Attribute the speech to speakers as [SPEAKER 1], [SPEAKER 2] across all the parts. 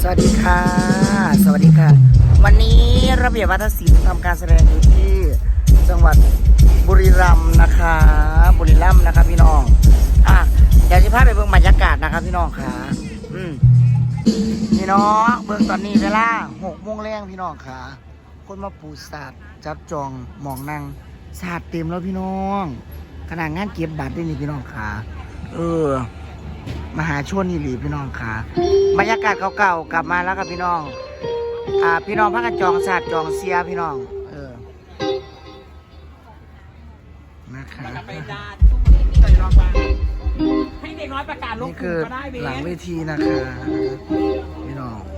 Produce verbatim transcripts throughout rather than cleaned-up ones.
[SPEAKER 1] วัสดีค่ะสวัสดีค่ะวันนี้ระเบียบวัฒนศิลป์ทำการแสดงอยู่ที่จังหวัดบุรีรัมย์นะคะบุรีรัมย์นะคะพี่น้องอ่ะเดี๋ยวจะพาไปเบิ่งบรรยากาศนะครับพี่น้องค่ะอืมพี่น้องเบิ่งตอนนี้เวลาหกโมงแรงพี่น้องค่ะคนมาปูศาสตร์จับจองหมองนั่งศาสตร์เต็มแล้วพี่น้องขนาดงานเก็บบัตรด้วยนี่พี่น้องค่ะเออมหาชนนี่หลีพี่น้องค่ะบรรยากาศเก่าๆกลับมาแล้วครับพี่น้องอ่าพี่น้องพักกันจองศาสตร์จองเสียพี่น้องเออนะคะ
[SPEAKER 2] ไปดาทุกคนที่รองมาให้เด็กน้อยประกาศลง
[SPEAKER 1] นี่
[SPEAKER 2] ก
[SPEAKER 1] คื
[SPEAKER 2] ลุ่
[SPEAKER 1] อ
[SPEAKER 2] มก็ได้เบส
[SPEAKER 1] หลังเวทีนะคะพี่น้อง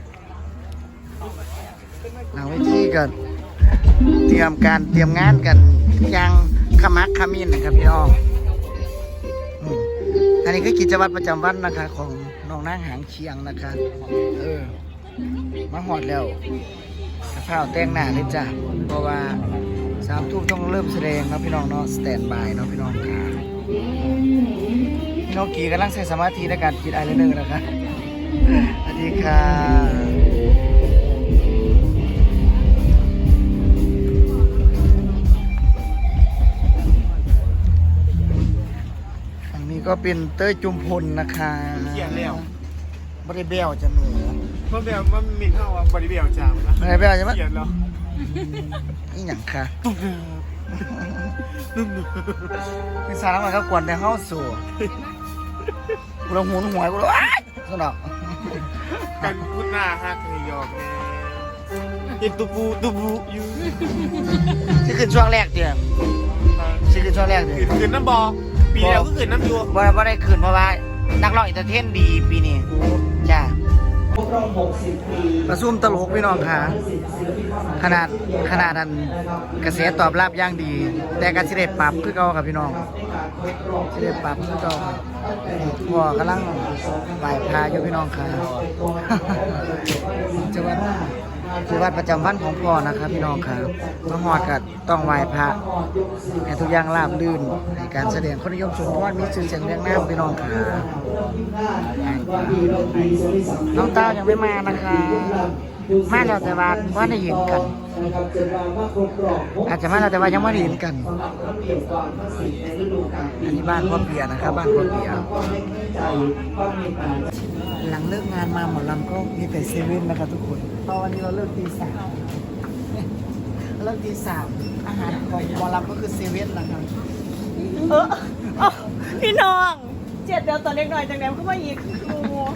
[SPEAKER 1] หลังเวทีกันเตรียมการเตรียมงานกันยังขมักขมิ้นนะครับพี่น้องอืมอันนี้คือกิจวัตรประจำวันนะคะของน้องนางหางเชียงนะคะเออมาหอดแล้วข้าวแต่งหน้าเลยจ้ะเพราะว่าสามทุ่มต้องเริ่มแสดงนะพี่น้องเนาะสแตนบายเนาะพี่น้องค่ะพี่น้องกีกำลังใช้สมาธิในการคิดอะไรเรื่องนะคะสวัสดีค่ะอันนี้ก็เป็นเต้ยจุมพลนะคะ
[SPEAKER 3] เขียนแล้ว
[SPEAKER 1] บริเบลจะหนู
[SPEAKER 3] เมื่อแบบมันมินเท่าว่าบริเบียวจามนะ
[SPEAKER 1] บริเบลใช่ไหม
[SPEAKER 3] เขียนแล้ว
[SPEAKER 1] นี่อย่างค่ะคือสารมันก็กวนแต่เข้าสู่กูลงหูหวยกูเลยว้ายสนอก
[SPEAKER 3] กันพูดหน้าฮักให้ยอกแน่เห็นตุบูตุบูอยู่
[SPEAKER 1] ที่ขึ้นช่วงแรกเดียวที่ขึ้นช่วงแรกเดียว
[SPEAKER 3] ขืนขืนน้ำบอปีแล้วก็ขืนน้ำยัว
[SPEAKER 1] บ่บ่ได้ขึ้นเพราะว่านักร้องอินเตอร์เทนดีปีนี้จ้าประซุ่มตลกพี่น้องค่ะขนาดขนาดนั้นกระแสตอบรับอย่างดี แต่การสิได้ปรับคือเก่าครับพี่น้องสิได้ปรับคือเก่าครับพ่อกำลังไหว้พระอยู่พี่น้องค่ะจังหวัดจังหวัดประจำวันของพ่อนะครับพี่น้องค่ะมาฮอดก็ต้องไหว้พระให้ทุกอย่างราบรื่นในการแสดงคนนิยมชมเพราะว่ามีชื่อเสียงเรียงนามพี่น้องค่ะน้องเต้ายังไม่มานะคะมาแล้วแต่ว่าว่าได้เห็นกันอาจจะมาแล้วแต่ว่ายังไม่ได้เห็นกันอันนี้บ้านพ่อเปียนะครับบ้านพ่อเปียหลังเลิกงานมาหมอลำก็มีแต่เซเว่นนะคะทุกคนตอนนี้เราเลิกตีสามเลิกตีสามอาหารของหมอลำก็คือเซเว่นนะครับ
[SPEAKER 2] เอออ๋อพี่น้องเจ็ดเดียวตอนเล็กหน่อยจังแดมก็มาอีกโอ้โห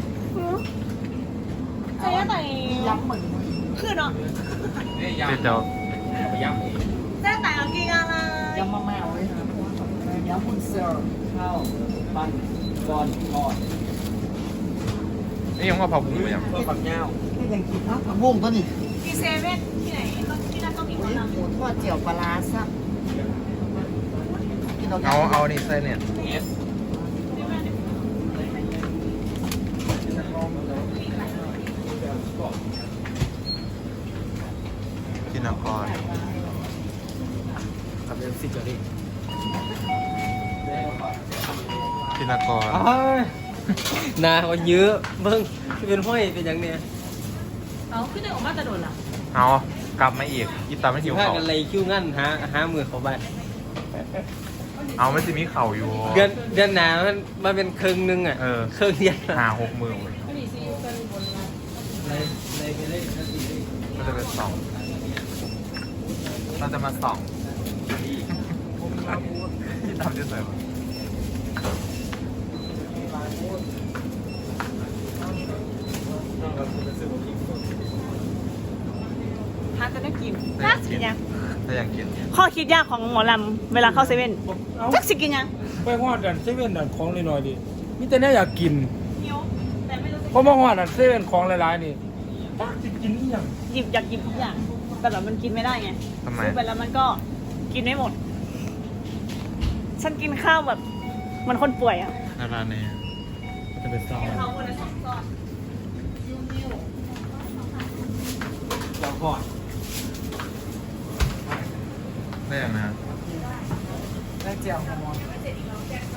[SPEAKER 2] ใช่ไหม
[SPEAKER 1] ย้ำเหมือน
[SPEAKER 2] คือเนาะ
[SPEAKER 3] เจ้า
[SPEAKER 2] แจ้แต่งกินอะไร
[SPEAKER 1] ย้ำมาแมวเลยครับย้ำคุณเซอร์ข้าวปั้นก้อนทอด
[SPEAKER 3] นี่ยังว่าเผาผงอยู่ยังฝักเงา
[SPEAKER 1] นี่ยังกินข้าวผักบุ้งตัวนี้
[SPEAKER 2] มีเซเว่นที่ไหนที่นั่นก็มีคนทำ
[SPEAKER 1] หมูทอดเจียวปลาร้าซับ
[SPEAKER 3] เอาเอานี่ใส่เนี่ยกินนคร
[SPEAKER 1] กับเรื่องซิจอรี่
[SPEAKER 3] กินนคร
[SPEAKER 4] นาเขาเยอะเบิ่งที่เป็นห้อยเป็นอย่างเนี้ย
[SPEAKER 2] เอาขึ้นได้ออกมาจะโดนล่ะ
[SPEAKER 3] เอากลับมาอีกอีตาไม่หิว
[SPEAKER 4] พา
[SPEAKER 3] เขา
[SPEAKER 4] กันเลยคิ้วงั้นหาหามือเขาไป
[SPEAKER 3] เอาไม่จะมีเข่าอยู่
[SPEAKER 4] เดือนเดือนหนามันมันเป็นครึ่งนึงอ่ะ
[SPEAKER 3] เออ
[SPEAKER 4] ครึ่งเดียว
[SPEAKER 3] หาหกหมื่นเลย
[SPEAKER 4] เลยเลยไปเลย
[SPEAKER 3] มันจะเป็นสองเราจะมาส่องที่ทำจะใส่ไหม
[SPEAKER 2] ถ้าจะได้กินน่าสิกินยัง
[SPEAKER 3] ถ้าอยากกิน
[SPEAKER 2] ข้อคิดยากของหมอลำเวลาเข้าเซเว่นจักสิกินยัง
[SPEAKER 5] ไปฮอดดันเซเว่นดันของน้อยๆดิมีแต่เนี่ยอยากกิน
[SPEAKER 2] หิวแต่ไม่รู้จะ
[SPEAKER 5] เพราะมาฮอดดันเซเว่นของหลายๆนี่ตักสิกินอีหยัง
[SPEAKER 2] หยิบอยากหยิบทุกอย่างแต่แบบมันกินไม่ได้ไง
[SPEAKER 3] ทำไม
[SPEAKER 2] ซื้อไปแล้วมันก็กินไม่หมด ฉันกินข้าวแบบเหมันคนป่วยอ่ะ
[SPEAKER 3] นาราเน่
[SPEAKER 5] จะเป็นซาว
[SPEAKER 2] ข้าวคนละสองก้อน
[SPEAKER 5] อยากฮอด
[SPEAKER 3] ได้ยังนะ
[SPEAKER 1] ได้เจียวมอน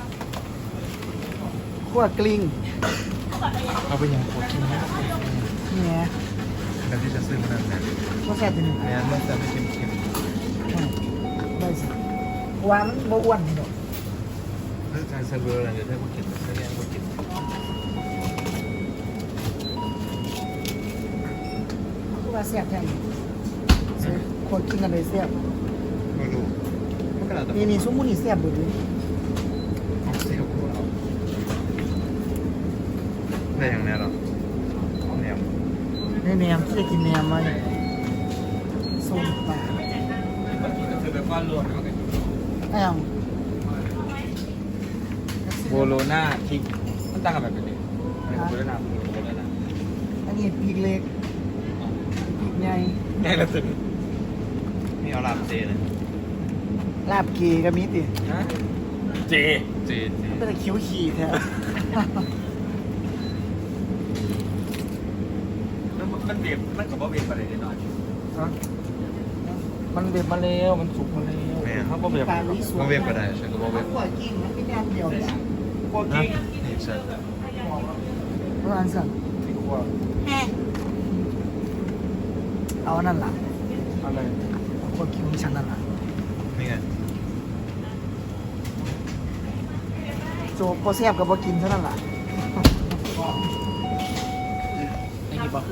[SPEAKER 1] ขั้วกลิ้ง
[SPEAKER 5] เอาไปหยังขอกินนะ
[SPEAKER 1] นี่ไง
[SPEAKER 3] แต่ที่จะซื้อมานั่นแหละ
[SPEAKER 1] ก็แซ่บตัวหนึ่ง
[SPEAKER 3] แม่มันจะไม่เค็ม
[SPEAKER 1] ได้สิว่ามันบ่อ้วนนี่ดอก
[SPEAKER 3] ๆเรื่องการเซอร์เวอร์อะไรเดี๋ยวถ้ากูกินถ้าแกกูกิน
[SPEAKER 1] คือว่าแซ่บแท้คนกินกันเลยแซ่บ
[SPEAKER 3] ไม่รู้มันก็แล้วแต่
[SPEAKER 1] นี่นี่ซุปหมูนี่แซ่บเบิดเลย
[SPEAKER 3] เอาเซลล์กูเอาได้อย่างแน่หรอแนว
[SPEAKER 1] ในแหนมที่จะกินแหนมมาเนี่ยส้มปลา
[SPEAKER 4] คือแบบว่ารวม
[SPEAKER 1] อ้าว
[SPEAKER 4] โบโลน่าคิกมันตั้งกันแบบนี้โบโลน่าโบโลน่า
[SPEAKER 1] อันนี้ปีกเล็กปีกใหญ่
[SPEAKER 4] แน่ละสุด
[SPEAKER 3] มีเอาลาบเจนะ
[SPEAKER 1] ลาบเกก็มีติ
[SPEAKER 4] ฮะเจ
[SPEAKER 3] เจเจ
[SPEAKER 1] เป็นแต่คิ้วขี่แท้
[SPEAKER 4] มันเบียบมันกับว่าเบียบอะไรนิดหน่อย
[SPEAKER 5] มันเบ็ดมาแล้วมันสุกมาแล้ว
[SPEAKER 3] แม่
[SPEAKER 5] เขาก็เบ็ด
[SPEAKER 1] ปลาลุยสวน
[SPEAKER 3] มาเว็บก็ได้ฉันก็มาเว็บ
[SPEAKER 1] ขวดกิ้งมันไม่ได้อันเดียวเนี่ย
[SPEAKER 5] พวกกิ้ง
[SPEAKER 3] นี่ฉัน
[SPEAKER 1] เพราะอันสั่ง
[SPEAKER 5] ที่ขวด
[SPEAKER 1] เอาอันนั่นล่ะ
[SPEAKER 5] อะไร
[SPEAKER 1] ขวดกิ้งของฉันนั่นล่ะ
[SPEAKER 3] นี่ไง
[SPEAKER 1] โจกพอแซ่บกับพอกินเท่านั้นล่ะ
[SPEAKER 5] ไอ้นี่บอก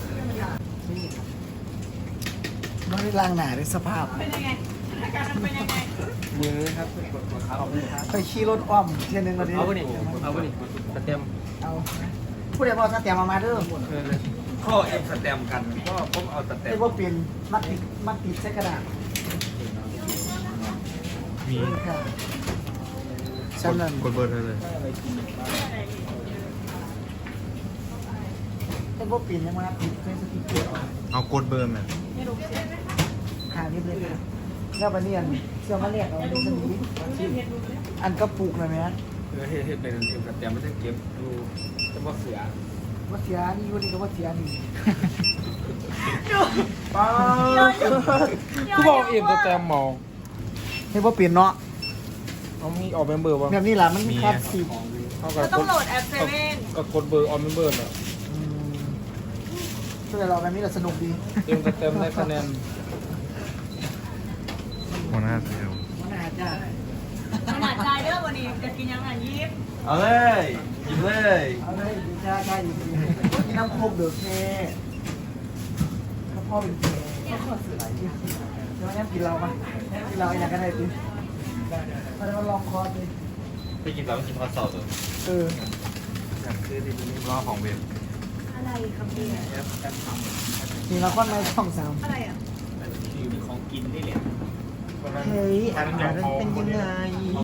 [SPEAKER 1] ไม่ได้ล้างหนาในสภาพ
[SPEAKER 2] เป็นยังไงอาการมันเป็นยังไง
[SPEAKER 5] มือครับเอาไป
[SPEAKER 1] ไปขี่รถอ้อมเที่ยนึงแล้วดิ
[SPEAKER 4] เอาไปนี่เอาไปนี่สเต็ม
[SPEAKER 1] เอาผู้ใดบอกสแตมมามาเด้อ
[SPEAKER 4] ข้อเอ็มสเต็มกันก็ผมเอาสเต็
[SPEAKER 1] ไอ้
[SPEAKER 4] ม
[SPEAKER 1] พวกเปลี่ยนมัดติดมัดติดใส่กระดาษ
[SPEAKER 3] มี
[SPEAKER 1] นี่ค่ะฉันนั่น
[SPEAKER 3] กดเบอร์เธอเลย
[SPEAKER 1] ไอ้พวกเปลี่ยนยังมาติดใส่สติ๊กเกอร์
[SPEAKER 3] เอากดเบอร์แม่
[SPEAKER 1] หานิดเลยแล้วบันเนียนเสื้อมาเรียกเอาเป็นสนิทอันกระปุกเลยไหม
[SPEAKER 4] เออเฮ็ดเป็นเอ็มสเต็มไม่ได้เก็บดูจะว่าเสีย
[SPEAKER 1] ว่าเสียนี่อยู่นี่ก็ว่าเสียนี่
[SPEAKER 5] ป้าคือบอกเอ็มตัวแต้มมอง
[SPEAKER 1] ไอ้พวกเปลี่ยนเนาะ
[SPEAKER 5] เขามีออกเมมเบอร์ป่ะ
[SPEAKER 1] แบบนี้แหละมันคลาสสิก
[SPEAKER 5] เขากับ
[SPEAKER 2] ก็ต้องโหลดแอปเซเว่น
[SPEAKER 5] ก็กดเบอร์ออมเมมเบอร์น่ะ
[SPEAKER 1] อืมช่วยเราแบบนี้แหละสนุกดี
[SPEAKER 5] เอ็มตัวแต้มได้คะแนน
[SPEAKER 3] หัวหน้าเซลล์
[SPEAKER 1] มันอาจจะ
[SPEAKER 2] ขนาดใจเด้อวันนี้จะกินยังไงยิบ
[SPEAKER 4] เอาเลยกินเลย
[SPEAKER 1] เอาเลยดีจ้าจ้าอยู่ดีมีน้ำโคกเดือดแค่ถ้าพ่อเป็นแค่พ่อเสืออะไรเนี่ยเดี๋ยวงั้นกินเราปะกินเราอย่างกันได้ดิมาแล้วมาลองคอร์สดิ
[SPEAKER 4] ไปกินแล้วกินทอดสด
[SPEAKER 1] เออ
[SPEAKER 3] คือที่นี่รอของเว็บ
[SPEAKER 2] อะไรครับพี่
[SPEAKER 1] มีละครในช่องสาม
[SPEAKER 2] อะไรอ่ะ
[SPEAKER 4] คือของกินนี่แหละ
[SPEAKER 1] เฮ้ยอาหารเป็นยังไง